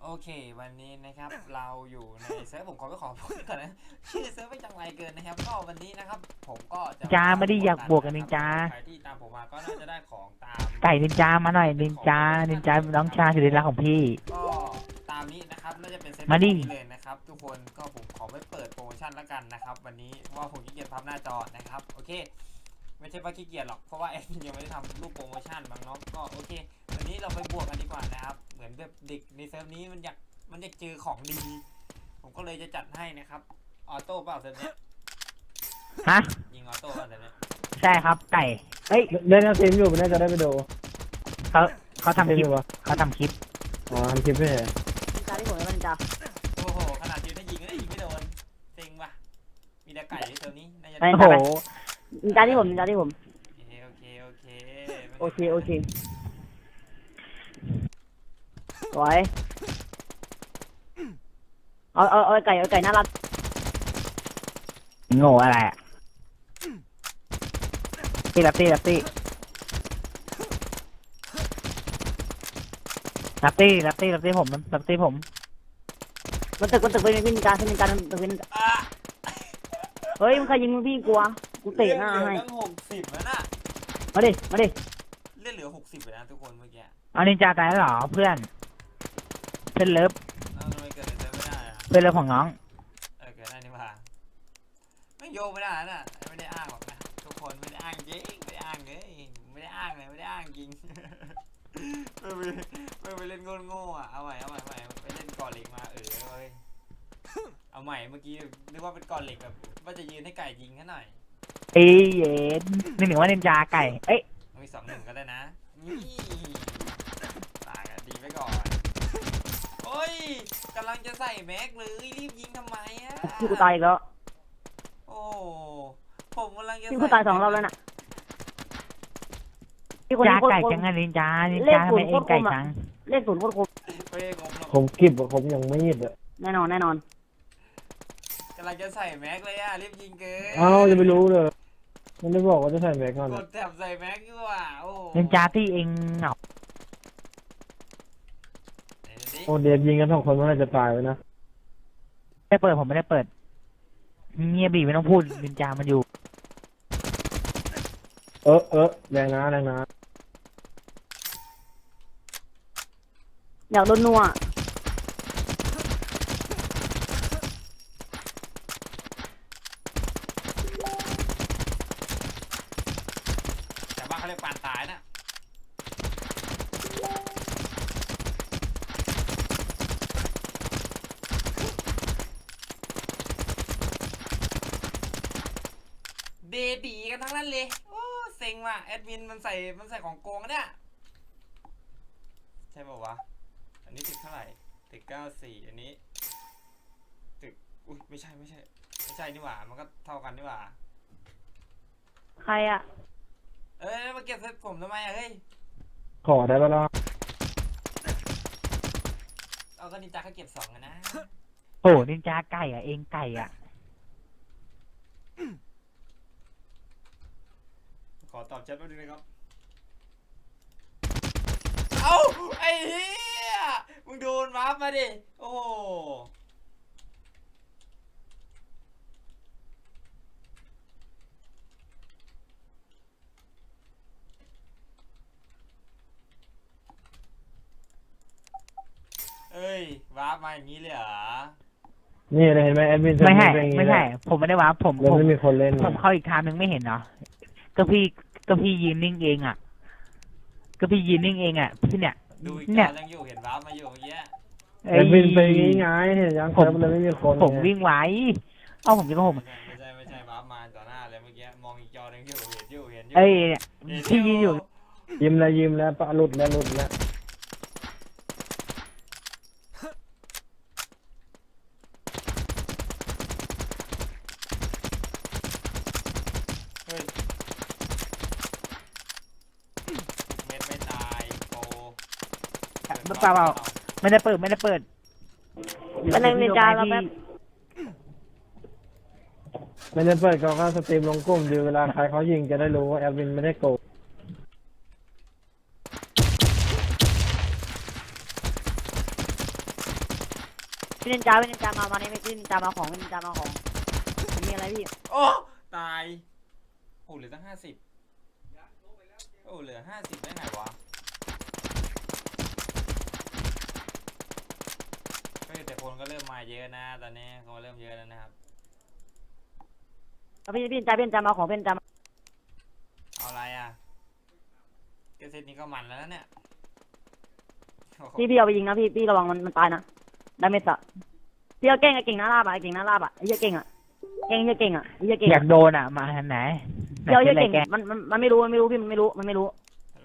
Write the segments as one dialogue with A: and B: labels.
A: โอเควันนี้นะครับเราอยู่ในเซิร์ฟผมขอพูดก่อนนะชื่อเซิร์ฟไม่จังไรเกินนะครับก็วันนี้นะครับผมก็จะ
B: จ้าไม่ได้อยากบวกกันนินจา
A: ใครที่ตามผมมาก็น่าจะได้ของตาม
B: ไก่นินจามาหน่อยนินจาน้องชายสุดที่รักของพี่
A: ก็ตามนี้นะครับน่าจะเป็นเซต
B: มาดิ
A: นี้เลยนะครับทุกคนก็ผมขอไม่เปิดโปรโมชั่นแล้วกันนะครับวันนี้เพราะว่าผมขี้เกียจพับหน้าจอนะครับโอเคไม่ใช่ว่าขี้เกียจหรอกเพราะว่าแอดมินยังไม่ได้ทำรูปโปรโมชั่นบางเนาะก็โอเควันนี้เราไปบวกกันดีกว่านะครับเหมือนแบบเด็กในเซิร์ฟนี้มันอยากเจอของดีผมก็เลยจะจัดให้นะครับออโต้เปล่าเซิร์ฟเนี้ย
B: ฮะ
A: ยิงออโต้เปล่าเซิร์ฟเนี้ย
B: ใช่ครับไก่เอ้ย
C: เล่นเกมอยู่มันน่าจะได้ไปดู
B: เขาเขาทำคลิป
C: เล่นอยู่ปะ
B: เขาทำคลิป
C: อ๋อทำคลิปไม่ใช่
D: จาที่ผมแล้วมันจะ
A: โอ้โหขนาดยืนได้ยิงก็ได้ยิงไม่โดนเซ็งว่ะมีแต่ไก่ในเซิร์ฟนี้น่าจะ
B: โอ้โห
D: จาที่ผมจาที่ผม
A: โอเค
D: โอเคสวยเอาไก่น่ารัก
B: โง่อะไรอะตีรับตีรับตีรับตีรับตีรับตีผมรับตีผม
D: มันตึกเป็นการตึกเป็นเฮ้ยมึงใครยิงมึงพี่กลัวกูเตะหน้าให้
A: ตั้ง60แล้วน่ะ
D: มาดิ
A: เล่นเหลือ60เลยนะทุกคนเมื่อกี้
B: เอานินจาตายแล้วเหรอเพื่อนเลิฟ
A: ทำไมเกิดอะไรไม่ได้อะ
B: เพื่อนเลิฟของน้อง
A: เกิดได้นี่ว่าไม่โยกไม่ได้น่ะไม่ได้อ้างหรอกนะทุกคนไม่ได้อ้างจริงไม่ได้อ้างเลยไม่ได้อ้างเลยไม่ได้อ้างจริงไม่ไปเล่นโง่อ่ะเอาใหม่ไปเล่นก่อนเหล็กมาเว้ยเอาใหม่เมื่อกี้นึกว่าเป็นก่อนเหล็กแบบว่าจะยืนให้ไก่ยิงแค่หน่อย
B: เอ้ยเย็นหนึ่งว่านินจาไก่เอ้ย
A: มี2-1ก็ได้นะนี่ตายกันดีไว้ก่อนโอ้ยกำลังจะใส่แม็กเลยรีบยิงทำไมอ่ะ
D: พี่กูตายอีกแล้ว
A: โอ้ผมกำลังจะ
D: พี่กูตาย2 รอบแล้วน่ะ
B: จาไก่จังนินจาทำไมเองไก่จัง
D: เลข0โคตรคม
C: ผมคลิปผมยังไม่ยิดอ่ะ
D: แน่นอน
A: กำลังจะใส่แม็กเลยอ่ะรีบยิงเกิน
C: เอ้าจะไม่รู้เลยมันไม่บอกว่าจะใส่แม็กก่อน
A: กดแถบใส่แม็กอยู่อ่ะโอ้
B: นินจาที่เองเหงา
C: โอ้เดฟยิงกัน2 คนมันน่าจะตายไปนะ
B: ไม่เปิดผมไม่ได้เปิดเงียบบีไม่ต้องพูดนินจามันอยู่
C: แรงนะ
D: อยากโดนนัว
A: แต่ว่าเขาเรียกปานตายนะเดบีกันทั้งนั้นเลยโอ้เซ็งว่ะแอดมินมันใส่ของโกงเนี่ยใช่ป่าววะอันนี้ตึกเท่าไหร่ตึก94อันนี้ตึกอุ้ยไม่ใช่นี่หว่ามันก็เท่ากันนี่หว่า
D: ใครอ่ะ
A: มาเก็บเซ็ตผมทำไมอะเฮ้ย
C: ขอได้ปะล่ะ
A: เอาก็นินจาเขาเก็บ2นะ
B: โอ้นินจาไก่อะเองไก่อะ
A: ขอตอบแชทแป๊บนึงนะครับเอ้าไอ้เหี้ยมึงโดนวาร์ปมาดิโอ้เอ้ยวาร์ปมาอย่างนี้เลยเหรอ
C: นี่เลยเห็นไหมแอดมิน
B: ไม่ใช่ผมไม่ได้ว่าผม
C: ไม่มีคนเล่น
B: ผมเข้าอีกทางนึงไม่เห็นเหรอก็พี่ยืนนิ่งเองอ่ะพี่เนี่ย
A: ดูอีกจอยังอยู่เห็นวาร์ปมาอยู่เมื่อกี้
C: แอดมินไปง่ายเห็นยังผมเลยไม่มีคน
B: ผมวิ่งไว้ผมจะก็ผม
A: ไม่ใช่วาร์ปมาต่อหน้าเลยเมื่อกี้มองอีกจอยังอยู่เห็นอยู่
B: เอ้ยพี่ยืนอยู่
C: ยิ้มแล้วปะหลุดแล้ว
A: เฮ้ยเม็ดไม่ตายโป
B: เปล่าไม่ได้เปิด
D: เป็นนินจาเราแบบ
C: ไม่ได้เปิดก็สตรีมลงกลุ่มดูเวลาใครเขายิงจะได้รู้ว่าแอดมินไม่ได้โกง
D: พี่นินจามานี่พี่นินจามาของพี่นินจามาของมีอะไรพี่
A: โอ้ตายโอ้เหลือตั้ง50โอ้เหลือ50ได้ไงวะเฮ้ยแต่คนก็เริ่มมาเยอะนะตอนนี้คนก็เริ่มเยอะแล้วนะครับ
D: พี่นินจามาของพี่นินจา
A: เอาอะไรอ่ะเกษตรนี้ก็มันแล้วนะเนี่ยโอ้โห
D: พี่เอาไปยิงนะพี่ระวังมันตายนะดาเมจอะพี่เอาเก่งหน้าลาบอะไอ้เก่งหน้าลาบอะไอ้เหี้ยเก่งอะไอ้เหี้ยเก่งอะ
B: อยากโดนอ่ะมาทางไหน
D: เดี๋ยว
B: ไหน
D: เก่ง
B: แก
D: มันไม่รู้พี่มันไม่รู้
A: ไม่รู้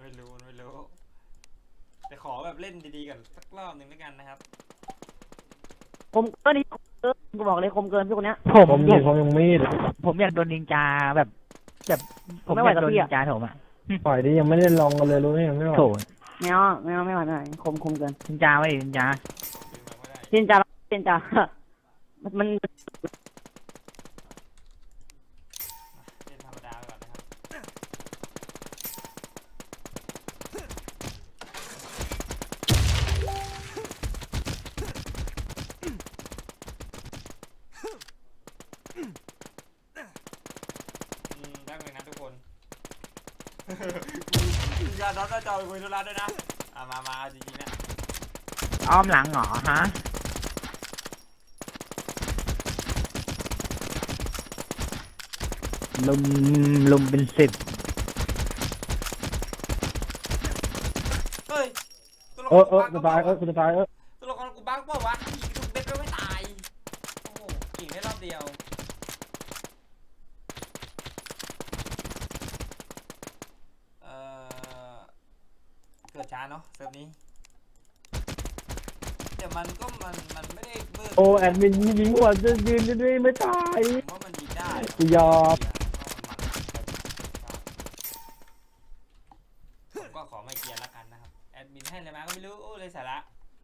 A: แต่ขอแบบเล่นดีๆกันสักรอบหนึ่งแล้วกันนะครับ
D: คมเกินนี่กูบอกเลยคมเกินพี่คนเนี้ย
C: ผมยิงผมยังมีด
B: ผมอยากโดนนินจาแบบผมอยากโดนนินจาโถมอ่ะ
C: ปล่อยดิยังไม่ได้ลองกันเลยรู้ไหมยังไม่ไหว
B: โถ
D: ไม่เอาคมเกิน
B: นินจาไม่นินจา
A: ดึงมาไม่ได้
D: พี่นินจามัน
A: เล่นธรรมดาไปก่อนนะครับได้เลยนะทุกคน มีการน็อตหน้าจอไปคุยธุระด้วยนะมาเอาจริงๆนะ
B: อ้อมหลังเหรอฮะลุมเป็น10
A: เฮ้ยตัวละค
C: เอ
A: ร
C: อจะตายจะตาย
A: ตัวละครกูบั๊กเปล่าวะยิงทุกเม็ดก็ไม่ตายโอ้โหยิงได้รอบเดียวเกิดช้าเนาะเซิร์ฟนี้แต่มันก็มันไม่ได้เบิร์
C: โอ้แอดมินยิงหัวจะยืนด้วยไม่ตาย
A: ผมว่ามันยิงได้
C: กูยอม
A: ผมก็ขอไม่เกียร์ละกันนะครับแอดมินให้อะไรมาก็ไม่รู้โอ้เลยสาระ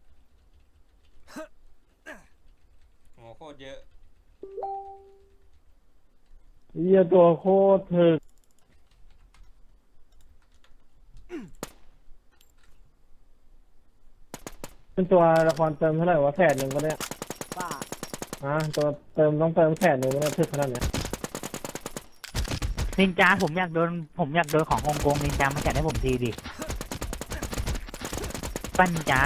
A: โหโคตรเยอะ
C: เหี้ยตัวโคตรถึกเป็นตัวละครเติมเท่าไหร่วะ100,000ก็ได้
D: บ้า
C: ตัวต้องเติม100,000ก็ได้ถึกขนาดเนี้ย
B: นินจาผมอยากโดนของฮ่องกงนินจามาจัดให้ผมทีดิปั้นนินจา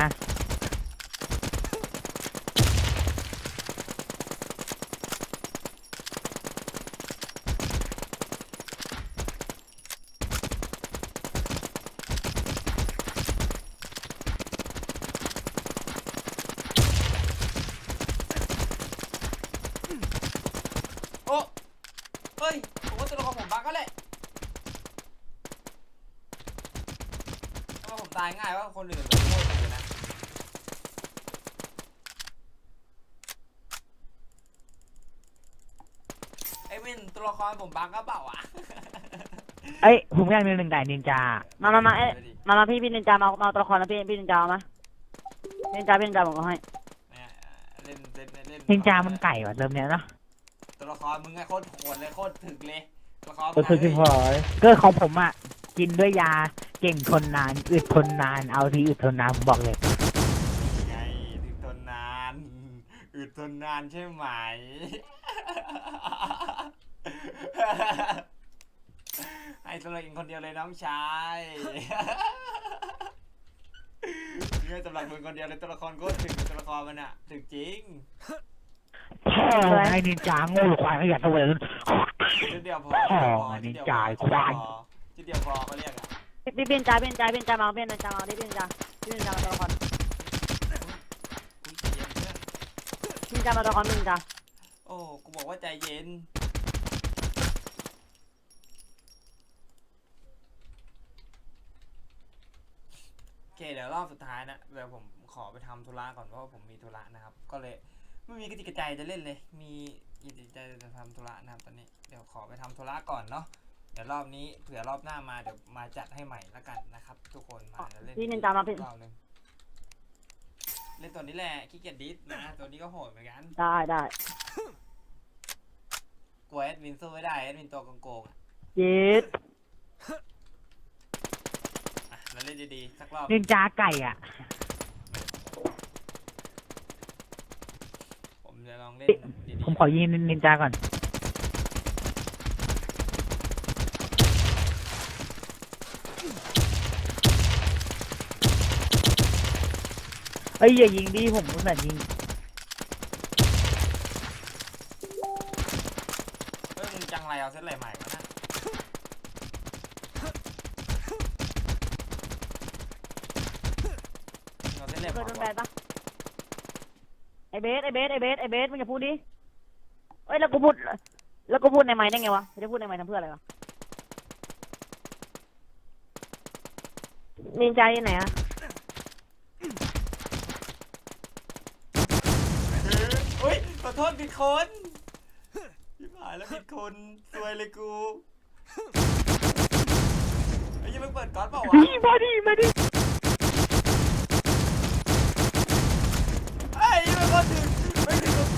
A: โอ้เฮ้ยผมว่าตัวละครผมบั๊กก็แหละเพราะว่าผมตายง่ายว่าคนอื่นแบบโคตรเลยนะไอ้วินตัวละครผมบั๊กก็เปล่าวะ
B: เอ้ยผมอยากมีหนึ่งด่านนินจา
D: มาพี่นินจามาตัวละครนะพี่นินจามาพี่นินจาผมก็ให้
A: เนี่ยเล่น
B: นินจามันไก่ว่ะเริ่มเนี้ยเนาะ
A: ตัวละครมึงไงโคตรโหดเลยโคตรถึกเลยตัวละคร
C: ก็ถึกที่หาย
B: ก็ของผมอ่ะกินด้วยยาเก่งทนนานอึดทนนานเอาทีอึดทนนานผมบอกเลย
A: ไงถึกทนนานอึดทนนานใช่ไหม ให้สำหรับเองคนเดียวเลยน้องชาย เงื่อสำหรับมึงคนเดียวเลยตัวละครโคตรถึกตัวละครมันอะถึกจริง
B: ไอ้นินจาโง่ควายขยันตัวเลย
A: จุดเดียวพอ
B: พ่อนินจาควาย
A: จุดเดียวพอเขาเรียกอะ
D: พี่นินจามาพี่นินจามาพี่นินจามาตัวละคร
A: อุ๊ยใจเย็นเพื่อน
D: พี่นินจามาตัวละครพี่นินจา
A: โอ้กูบอกว่าใจเย็นโอเคเดี๋ยวรอบสุดท้ายนะเดี๋ยวผมขอไปทำธุระก่อนเพราะว่าผมมีธุระนะครับก็เลยไม่มีกระติกกระใจจะเล่นเลยมีกระติกกระใจจะทำธุระนะครับตอนนี้เดี๋ยวขอไปทำธุระก่อนเนาะเดี๋ยวรอบนี้เผื่อรอบหน้ามาเดี๋ยวมาจัดให้ใหม่ละกันนะครับทุกคนมาเล่น
D: พี่นินจามาพี่
A: รอบนึงเล่นตัวนี้แหละขี้เกียจดิสนะตัวนี้ก็โหดเหมือนกัน
D: ได้
A: กลัวแอดมินสู้ไม่ได้แอดมินตัวโกงๆอะ
D: เย็ด
A: อ่ะเราเล่นดีๆสักรอบ
B: นินจาไก่อ่ะ
A: เล่นดี
B: ผมขอยิงนินจาก่อนเอ้ยอย่ายิงดิผมอุตส่าห์ยิง
A: เฮ้ยมึงจังไรเอาเซตอะไรใหม่วะนะเอาเซตอะไร
D: เค
A: ใหม่
D: ยโดน
A: วะ
D: แบนปะไอเบสมึงอย่าพูดดิเอ้ยแล้วกูพูดในไมค์ได้ไงวะจะพูดในไมค์ทำเพื่ออะไรวะนินจาอยู่ไหนอะ
A: เฮ้ยขอโทษผิดคนพี่หายแล้วผิดคนซวยเลยกูไอ้ยังไม่เปิดก๊อตเปล่าวะ
B: มาดิ
A: ไอ้ยังไม่พอถึงไม่ถึงกับกู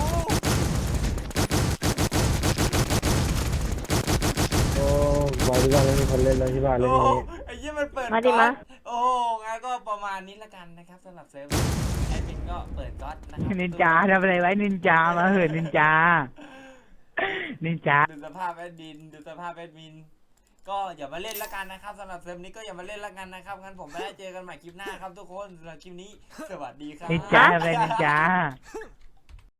C: โอ้บอยที่บ้านไม่มีคนเล่นเลยที่บ้านเล่น
A: โอ้
C: อย่างนี้
A: ไอ้ยังมันเปิด
D: มาดิ
A: ก๊อ
D: มา
A: ตโอ้งั้นก็ประมาณนี้ละกันนะครับสำหรับเซิร์ฟแอดมินก็เปิดก๊อตนะครับ
B: นินจาทำอะไรไว้นินจามาเหอะนินจา นินจา
A: ดูสภาพแอดมินดูสภาพแอดมินก็อย่ามาเล่นละกันนะครับสำหรับเซิร์ฟนี้ก็อย่ามาเล่นละกันนะครับงั้นผมไม่ได้เจอกันใหม่คลิปหน้าครับทุกคนสำหรับคลิปนี้สวัสดีครับ
B: นินจาทำอะไรนินจา